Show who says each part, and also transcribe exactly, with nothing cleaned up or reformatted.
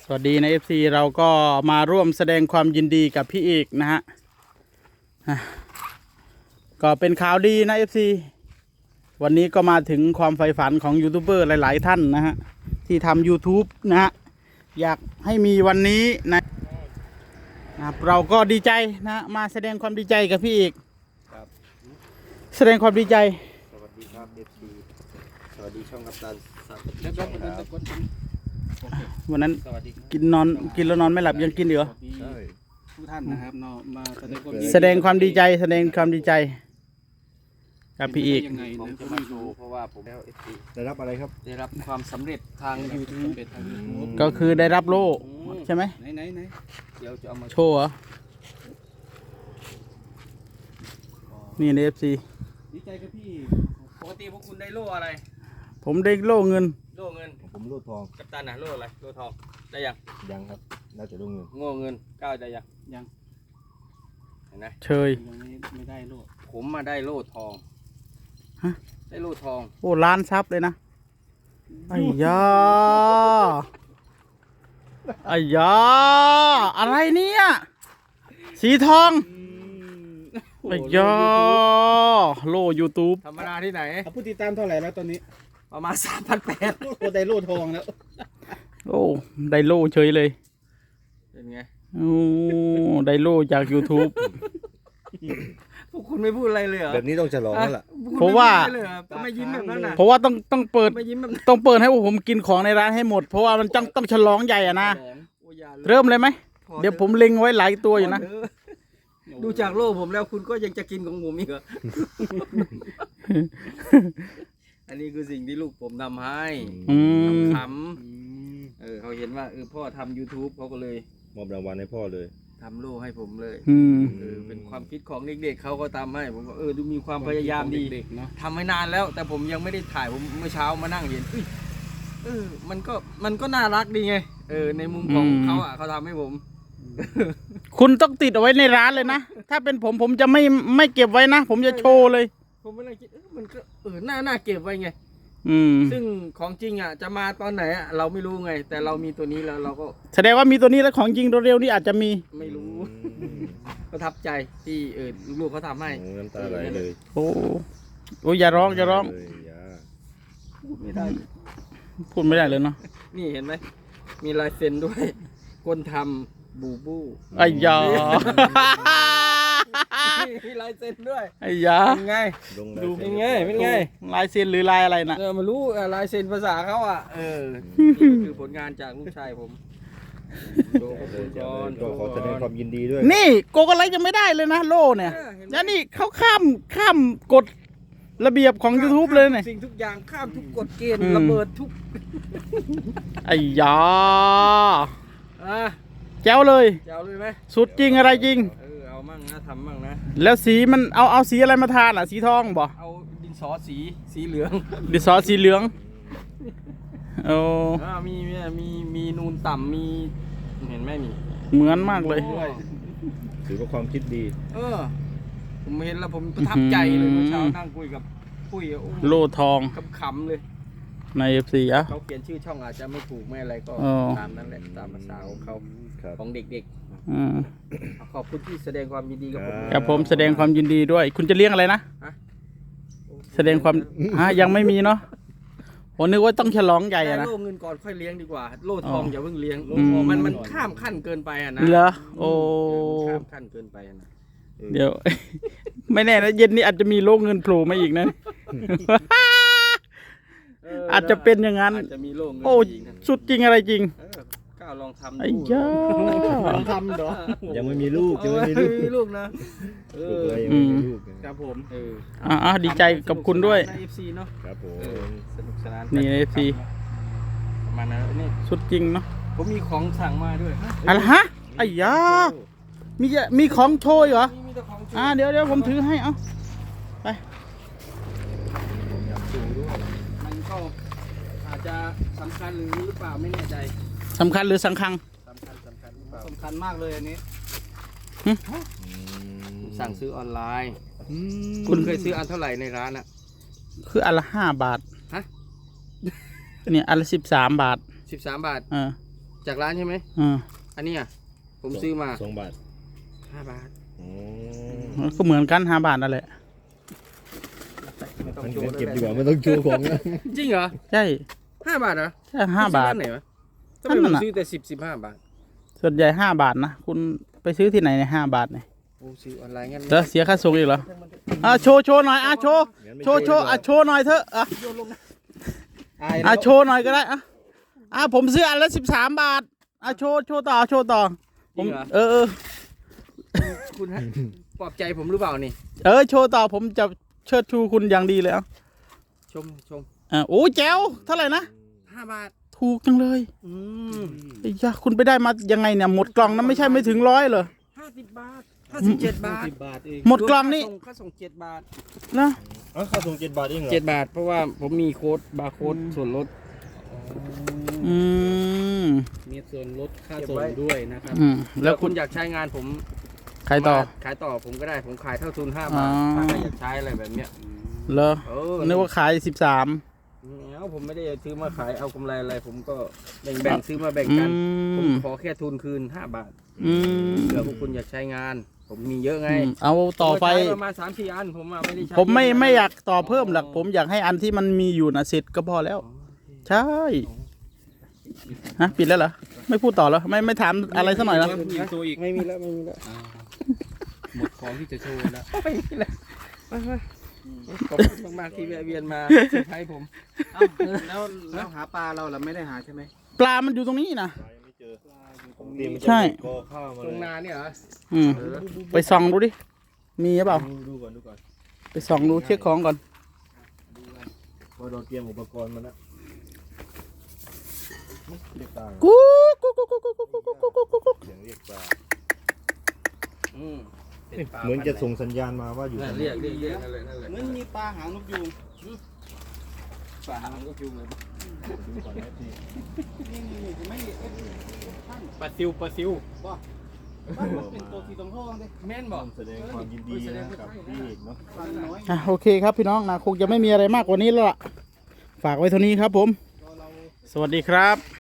Speaker 1: วัสดีนะ เอฟ ซี เราก็มาร่วมแสดงความยินดีกับพี่เอกนะฮะก็เป็นข่าวดีนะ เอฟ ซี วันนี้ก็มาถึงความใฝ่ฝันของยูทูบเบอร์หลายๆท่านนะฮะที่ทำ YouTube นะฮะอยากให้มีวันนี้นะนะครับเราก็ดีใจนะมาแสดงความดีใจกับพี่เอกครับแสดงความดีใจ
Speaker 2: สวัสดีครับ เอฟ ซี สวัสดีช่องกัปตันสับแล้วก็
Speaker 1: วันนั้นกินนอนกินแล้วนอนไม่หลับยังกินอยู่เหรอ
Speaker 2: ใช่
Speaker 3: ทุกท่านนะครับเนาะมาแสดงความ
Speaker 1: แสดงความดีใจแสดงความดีใจกับพี่เอก
Speaker 3: ยังไง
Speaker 2: ผม
Speaker 3: นะ
Speaker 2: จะมาดูเพราะว่าผมแล้ว เอฟ ซี ได้รับอะไรครับ ได้รับความสำเร็จทาง YouTube
Speaker 3: เป็นทาง YouTube
Speaker 1: ก็คือได้รับโล่ใช่ไหม
Speaker 3: ไหนไหนไหน
Speaker 2: เดี๋ยวจะเอามา
Speaker 1: โชว์เหรอนี่ใน เอฟ ซี
Speaker 3: ดีใจกับพี่
Speaker 2: ปกติพวกคุณได้โล่อะไร
Speaker 1: ผมได้โล่เงิน
Speaker 2: โล่เงินผมโล่ทองกัปตันนะโล่อะไรโล่ทองได้ยังยังครับน่าจะโล่เงินโง่เงินก้าวได้ยัง
Speaker 3: ยัง
Speaker 2: เห็นไหม
Speaker 1: เชย
Speaker 3: ยังไม่ไม่ได้โล่
Speaker 2: ผมมาได้โล่ทอง
Speaker 1: ฮะ
Speaker 2: ได้โล่ทอง
Speaker 1: โอ้ล้านซับเลยนะไอ้ยาไอ้ยาอะไรเนี่ยสีทองไอ้ยาโล่ YouTube
Speaker 2: ธรรมดาที่ไหน
Speaker 3: ผู้ติดตามเท่าไหร่แล้วตอนนี้
Speaker 2: ประมาณสามพันแปด
Speaker 3: โอ้ได้โล่ทองแล้ว
Speaker 1: โอ้ได้โล่เฉยเลย
Speaker 2: เป็นไง
Speaker 1: โอ้ได้โล่จาก YouTube
Speaker 2: พวกคุณไม่พูดอะไรเลยเหรอ
Speaker 4: แบบนี้ต้องฉลองแล้วล่ะ
Speaker 1: เพราะว่า
Speaker 2: ไม่ยิ้มแบบนั้นนะ
Speaker 1: เพราะว่าต้องต้องเปิด
Speaker 2: ไม่ยิ้มแบบ
Speaker 1: ต้องเปิดให้พวกผมกินของในร้านให้หมดเพราะว่ามันต้องต้องฉลองใหญ่อะนะเริ่มเลยไหมเดี๋ยวผมเล็งไว้หลายตัวอยู่นะ
Speaker 2: ดูจากโลกผมแล้วคุณก็ยังจะกินของผมอีกเหรอ อันนี้คือสิ่งที่ลูกผมทำให้ขำเออเขาเห็นว่าเออพ่อทำ YouTube เขาก็เลย
Speaker 4: มอบรางวัลให้พ่อเลย
Speaker 2: ทำโล่ให้ผมเลย
Speaker 1: เอ
Speaker 2: อเป็นความคิดของเด็กๆเขาก็ทำให้ผมก็เออดูมีความพยายามดีทำให้นานแล้วแต่ผมยังไม่ได้ถ่ายผมเมื่อเช้ามานั่งเห็นเออมันก็มันก็น่ารักดีไงเออในมุมของเขาอ่ะเขาทำให้ผม
Speaker 1: คุณต้องติดเอาไว้ในร้านเลยนะถ้าเป็นผมผมจะไม่ไม่เก็บไว้นะผมจะโชว์เลย
Speaker 2: ผมไม่ได้คิดมันก็เออน่าน่าเก็บไว้ไงซึ่งของจริงอ่ะจะมาตอนไหนอ่ะเราไม่รู้ไงแต่เรามีตัวนี้แล้วเราก็
Speaker 1: แสดงว่ามีตัวนี้แล้วของจริงเร็วๆนี่อาจจะมี
Speaker 2: ไม่รู้ประทับใจที่เออลูกเขาทำให้
Speaker 4: น้ำตาไหลเลย
Speaker 1: โอ้โอ้อย่าร้องอย่าร้อง
Speaker 2: พูดไม่ได้
Speaker 1: พูดไม่ได้เลยเนาะ
Speaker 2: นี่เห็นไหมมีลายเซ็นด้วยคนทำบูบู
Speaker 1: ไอ้ยา
Speaker 2: มีลายเซ็นด้วย
Speaker 1: ไอ้ยา
Speaker 2: เป็นไงดูเป็นไงเป็นไง
Speaker 1: ลายเซ็นหรือลายอะไรนะ
Speaker 2: เออมารู้ลายเซ็นภาษาเขาอ่ะเออคือผลงานจากลูกชายผม
Speaker 4: ก็ขอแสดงความยินดีด้วย
Speaker 1: นี่โกกอะไรจะไม่ได้เลยนะโล่เนี่ยแล้วนี่เขาข้ามข้ามกฎระเบียบของ YouTube เลยเนี่ย
Speaker 2: สิ่งทุกอย่างข้ามทุกกฎเกณฑ์ระเบิดทุก
Speaker 1: ไอ้ยา
Speaker 2: อ่ะ
Speaker 1: แจ๋วเลย
Speaker 2: แจ๋วเลยไหม
Speaker 1: สุดจริงอะไรจริง
Speaker 2: เออเอามั่งนะทำมั่งนะ
Speaker 1: แล้วสีมันเอาเอาสีอะไรมาทานอ่ะสีทองบ่
Speaker 2: เอาดินสอสีสีเหลือง
Speaker 1: ดินสอสีเหลืองโอ้
Speaker 2: มีมีมีนูนต่ำมีเห็นไหมนี่
Speaker 1: เหมือนมากเลย
Speaker 4: ถือว่าความคิดดี
Speaker 2: เออผมเห็นแล้วผมประทับใจเลยเมื่อเช้านั่งคุยกับคุย
Speaker 1: โล่ทอง
Speaker 2: ขำๆเลย
Speaker 1: ใน เอฟ ซี อ่ะ
Speaker 2: เขาเขียนชื่อช่องอาจจะไม่ถูกไม่อะไรก็ตามนั้นแหละตามภาษาของเขาของเด็กๆขอบคุณที่แสดงความยินดีกับผม
Speaker 1: ครับผมแสดงความยินดีด้วยคุณจะเลี้ยงอะไรนะแสดงความฮะยังไม่มีเนาะผมนึกว่าต้องฉลองใหญ่นะ
Speaker 2: โล่เงินก่อนค่อยเลี้ยงดีกว่าโล่ทองอย่าเพิ่งเลี้ยงมันมันข้ามขั้นเกินไปอ่ะนะ
Speaker 1: เหรอโอ้
Speaker 2: ข้ามขั้นเกินไปนะ
Speaker 1: เดี๋ยวไม่แน่นะเย็นนี้อาจจะมีโล่เงินโผล่มาอีกนะอาจจะเป็นอย่างนั้นโอ้สุดจริงอะไรจริง
Speaker 2: ก้าวลองทำ
Speaker 1: ไอ้ย่า
Speaker 3: ลองทำเหรอ
Speaker 4: ยังไม่มีลูกยังไม่มี
Speaker 2: ลูกนะ
Speaker 4: เออยังไม่มีลูก
Speaker 2: ครับผมเออ
Speaker 1: อ่าดีใจกับคุณด้วย
Speaker 2: ใน เอฟ ซี เนาะ
Speaker 4: ครับผม
Speaker 2: สนุกสนาน
Speaker 1: นี่ เอฟ ซี
Speaker 2: ประมาณนั้นนี่
Speaker 1: สุดจริงเนาะ
Speaker 2: ผมมีของสั่งมาด้วย
Speaker 1: อะไรฮะไอ้ย่ามีมีของโชยเหรออ่าเดี๋ยวเดี๋ยวผมถือให้เอาไป
Speaker 2: มันก็อาจจะสำคัญหรือหรือเปล่าไม่แน่ใจ
Speaker 1: สำคัญหรือสังคัง
Speaker 2: สำคัญสำคัญ
Speaker 3: สำคัญมากเลยอันนี้
Speaker 2: สั่งซื้อออนไลน์คุณเคยซื้ออันเท่าไหร่ในร้านอ่ะ
Speaker 1: คืออันละห้าบาท
Speaker 2: ฮะ
Speaker 1: เนี่ยอันละสิบสามบาท
Speaker 2: สิบสามบาท
Speaker 1: เออ
Speaker 2: จากร้านใช่ไหม
Speaker 1: อ่า
Speaker 2: อันนี้อ่ะผมซื้อมา
Speaker 4: สองบาท
Speaker 2: ห้าบาท
Speaker 4: อ๋อ
Speaker 1: ก็เหมือนกันห้าบาทนั่นแหละ
Speaker 2: ไม่ต้อง
Speaker 4: มัน
Speaker 2: โชว์
Speaker 4: เก็บ
Speaker 2: แล้ว
Speaker 4: ดีกว่าไม่ต้องโชว์ของนะ
Speaker 2: จริงเหรอ
Speaker 1: ใช่
Speaker 2: ห้าบาทเหรอ
Speaker 1: ใช่ห้าบาท
Speaker 2: ซื้อร้นไหนวะทำไม
Speaker 1: นั่
Speaker 2: ผ
Speaker 1: น
Speaker 2: ม
Speaker 1: น่ะ
Speaker 2: ซื้อแต่สิบสิบห้าบาท
Speaker 1: ส่วนใหญ่ห้าบาทนะคุณไปซื้อที่ไหนในห้าบาทเนี่ย
Speaker 2: โอ้ซื้อออนไลน์งั้น
Speaker 1: เดี๋ยวเสียค่าส่งอีกเหรออ่ะโชว์โชว์หน่อยอ่ะโชว์
Speaker 4: งั้นไม่
Speaker 1: โชว์โชว์อ่ะโชว์หน่อยเถอะอ่ะ
Speaker 3: อาย
Speaker 1: อ่ะ
Speaker 3: แล้ว
Speaker 1: โชว์หน่อยก็ได้อ่ะอ่ะผมซื้ออันละสิบสามบาทอ่ะโชว์โชว์ต่อโชว์ต่อ
Speaker 2: จริงเหรอ
Speaker 1: เออเออ
Speaker 2: คุณฮะปลอบใจผมหรือเปล่านี่
Speaker 1: เออโชว์ต่อผมจะเชิดชูคุณอย่างดีเลยอ่ะ
Speaker 2: ชมชม
Speaker 1: อ่ะโอ้แจ๋วเท่าไหร่นะ
Speaker 2: ห้าบาท
Speaker 1: ถูกจังเลย
Speaker 2: อืม
Speaker 1: ไอ้ยะคุณไปได้มายังไงเนี่ยหมดกล่องนั้นไม่ใช่ไม่ถึงร้อยเหรอ
Speaker 2: ห้าสิบบาทห้าสิบเจ็ดบาท
Speaker 3: สิบบาทเอง
Speaker 1: หมดกล่องนี่
Speaker 2: ค่าส่ค่าส่งเจ็ดบาท
Speaker 1: นะ
Speaker 4: อ๋อค่าส่งเจ็ดบาทเองเหรอ
Speaker 2: เจ็ดบาทเพราะว่าผมมีโค้ดบาร์โค้ดส่วนลด
Speaker 1: อืม
Speaker 3: มีส่วนลดค่า
Speaker 2: เก็บ
Speaker 3: ส่ง
Speaker 2: ไว้
Speaker 3: ด้วยนะครับ
Speaker 1: อืม
Speaker 2: แล้
Speaker 1: แล้ว ว
Speaker 2: คุ
Speaker 1: คุณ ณ
Speaker 2: อยากใช้งานผม
Speaker 1: ใครต่อ
Speaker 2: มาขายต่อผมก็ได้ผมขายเท่าทุนห้าบาท
Speaker 1: อ๋อ
Speaker 2: ถ้าใครอยากใช้อะไรแบบเนี้ย
Speaker 1: เหรอ
Speaker 2: เออ
Speaker 1: นึกว่าขายสิบสาม
Speaker 2: แล้วผมไม่ได้ซื้อมาขายเอากำไรอะไร ผมก็แบ่งแบ่งซื้อมาแบ่ง
Speaker 1: อื
Speaker 2: กัน ผม
Speaker 1: ม
Speaker 2: ขอแค่ทุนคืนห้าบาท
Speaker 1: อืม
Speaker 2: เผื่อพวกคุณอยากใช้งาน ผมมีเยอะไง
Speaker 1: อืมเอาต่อไป
Speaker 2: ผมใช้ประมาณสามสี่อันผมอะไม่ได้ใช้
Speaker 1: ผมไม่
Speaker 2: เะ
Speaker 1: ไม่อยากต่อเพิ่มหรอกผมอยากให้อันที่มันมีอยู่นะเสร็จก็พอแล้ว ใช่ฮะปิดแล้วเหรอไม่พูดต่อแล้วไม่ไม่ถามอะไรสักหน่อยแล้ว
Speaker 3: มีตัวอีก
Speaker 2: ไม่มีแล้วไม่มีแล้ว
Speaker 3: หมดของที่จะโชว์แล้ว
Speaker 2: ไม่มีแล้วไปไปขอบคุณมากๆที่แวะเวียนมาเซอร์ไพรส์ผม
Speaker 3: เอ้าแล้วแล้วหาปลาเราล่ะไม่ได้หาใช่ไหม
Speaker 1: ปลามันอยู่ตรงนี้นะ
Speaker 4: ปลายังไม่เจอผมเตรียม
Speaker 1: ใช่
Speaker 4: กอข้าวมา
Speaker 2: ตรง
Speaker 4: เลย
Speaker 2: นาเนี่ยเหรอ
Speaker 1: อืม
Speaker 2: เออ
Speaker 1: ไปส่องดูดิมีหรือเปล่า
Speaker 4: ดูดูก่อนดูก่อน
Speaker 1: ไปส่องดูเช็คของก่อน
Speaker 4: เพราะเราเตรียมอุปกรณ์มาแล้วเรียกปลา
Speaker 1: กูกูกูกูกูกูกูกูกูกูกู
Speaker 4: เสียงเรียกปลา
Speaker 2: อืม
Speaker 4: เหมือนจะส่งสัญญาณมาว่าอยู่
Speaker 2: นั่นเรียกเรียกเรียกนั่นแหละนั่นแหละ
Speaker 3: เหมือนมีปลาหางนกยูง
Speaker 2: ป่ามันก็คิวเลย
Speaker 4: ดูก่อนนะพี่
Speaker 3: นี่นี่นี่ไม่เอฟท่าน
Speaker 2: ปลาซิวปลาซิว
Speaker 3: บ้าบ้านมันเป็นตัวสีทองทองเลย
Speaker 2: แม่นบอก
Speaker 4: แสดงความยินดีนะกับพี่เอกเนาะ
Speaker 3: ปลาน้อย
Speaker 1: อ่ะโอเคครับพี่น้องนะคงจะไม่มีอะไรมากกว่านี้แล้วล่ะฝากไว้เท่านี้ครับผม สวัสดีครับ